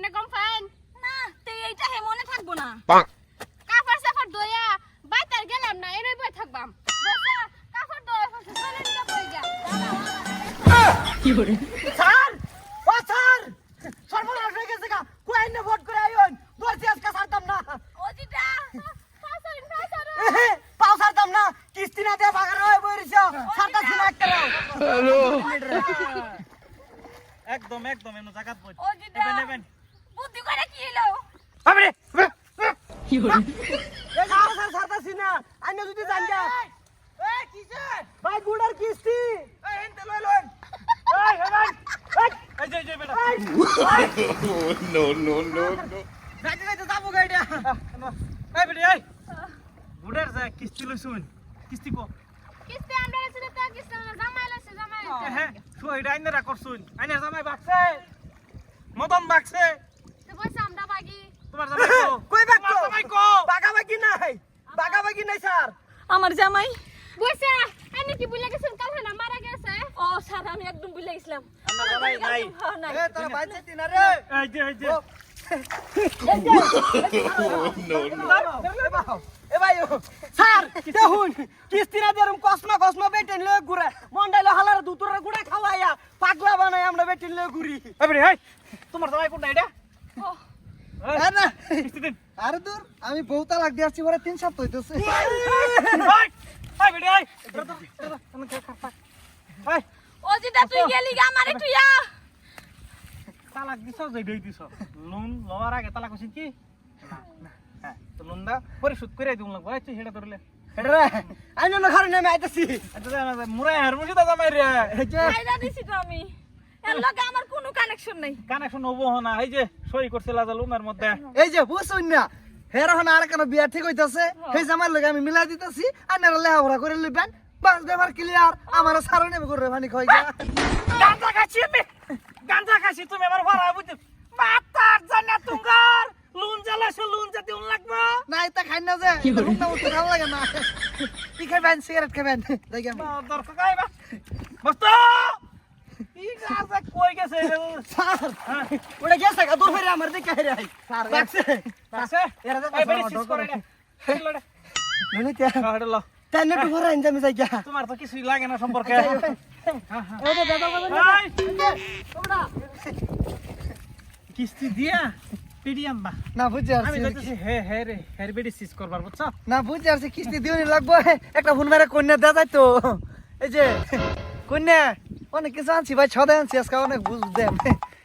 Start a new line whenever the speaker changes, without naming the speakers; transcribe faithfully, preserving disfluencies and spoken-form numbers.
না কম ফাইন
না তে এইটা হে মনে থাকবো না
কাপড় সাফার দইয়া বাইতার গেলাম না এরই বই থাকবাম বসা কাপড় দইয়া ফসে চলে নিয়ে বই যা
কি করে
স্যার ও স্যার সর্বনাশ হয়ে গেছে গা কই না ভোট করে আইন দোষী আজকে ছাড়তাম না
ওজিটা
ফাসারিন ফাসার
এহে, পাও ছাড়তাম না কিস্তি না দিয়ে ভাগার হয়ে বইরিছ ছাড়তা ছিল একটা
হ্যালো
একদম একদম এমন জায়গা বই
ওজিটা
নেবেন নেবেন
বুদ্ধি করে কি হলো
আরে
কি করে
এ গাও স্যার ছাড়তাছি না আইনা যদি জান গা এ কিসে ভাই গুড়ার কিস্তি এ এনতে লই লই
এই হেবেন এই যে যে বেটা
নো নো নো নো
যাইতে যাইতে যাবো গাইডা
এই বেটা এই বুড়ার যা কিস্তি লইছুন কিস্তি কো
কিস্তি আমরা এসে তো কিস্তি না জামাই লইছে জামাই
হ্যাঁ শো এটা আইনারা করছুন আইনার জামাই বাকছে মদন বাকছে
তো বসে আমরা বাগি
তোমার জামাই কো
কই বাক
তোমার জামাই কো
বাগাবাগি নাই বাগাবাগি নাই স্যার
আমার জামাই
বসে আনি কি বুলা গেছেন কাল না মারা গেছে
ও স্যার আমি একদম ভুলে গেছিলাম
আমার জামাই নাই
হ্যাঁ, নাই
এ তোরা বাইতে দিনা রে
এই যে এই যে
নো নো
এ ভাই স্যার দেখুন কিস্তি না দেরম কসমা কসমা বেটেন লয়ে ঘুরে মন্ডাইলে হালার দুতরে গুড়া খাওয়াইয়া পাগলা বানাই আমরা বেটেন লয়ে ঘুরি
এই বেটা এই তোমার জামাই কোনটা এটা
ও
হ্যাঁ না
কিস্তি দিন
আরে দূর আমি বহুতা লাগ দিয়ে আসছি পরে তিন সপ্তাহ হইতেছে
এই এই বেটা এই তুমি কে খাতা এই
ওজিটা তুই গেলি গা আমারে তুই আ
তালাক দিছ যে দেই দিছ লোন লওয়ার আগে তালাক কইছিস কি না না হ্যাঁ তো লোনটা পরিশোধ করে দিউন লাগবে এই সেটা ধরলে
রে আইনো না ঘরে নেমে আইতাছি
আচ্ছা মুরাই হার মুজিদা জামাই রে
এই যে
ফায়দা দিছি তো আমি এর লগে আমার কোনো কানেকশন নাই
কানেকশন হবো না এই যে সই করছিল আজ লোনের মধ্যে
এই যে বুঝছুন না হের হন আর কেন বিয়া ঠিক হইতাছে সেই জামার লগে আমি মিলাই দিতেছি আর না লেহাপড়া করে লইবেন বাস ব্যাপার ক্লিয়ার আমার সারা নেবে করে পানি খাই গা
গাঁজা খাচ্ছি আমি গাঁজা খাচ্ছি তুমি আমার ভাড়া বুঝছো মাতার জানা তুঙ্গার লোন জ্বালাছো লোন যাতে উন লাগবে
না এটা খাই না যে রুমটা উঠতে ভালো লাগে না কি খাবেন সিগারেট খাবেন দেখি আমি
দর্শক আইবা মস্ত ই গাঁজা কই গেছে
স্যার ওটা গেছে গা দূর হইরে আমার দিকে হেরে আই স্যার দেখছে
আছে
এরা তো
এই বেরি সিস করে না হেলো রে
ননি তে
হেলো
তাই নেটু ভরা ইনজামি যাই গা
তোমার তো কিছুই লাগে না সম্পর্কে
এই যে দাদা বাবা
এই,
তোমরা
কিস্তি দিয়া পিডিএম বা
না বুঝছি
আমি
আর
কইতেছি হে হে রে হের বেরি সিস করবার বুঝছো
না বুঝছি আর কিস্তি দিওনি লাগবো একটা ফোন মেরে কন্যা দেয়া যায় তো এই যে কন্যা অনেক কিছু আনছি ভাই ছদে আনছি আজকে অনেক বুঝ দেন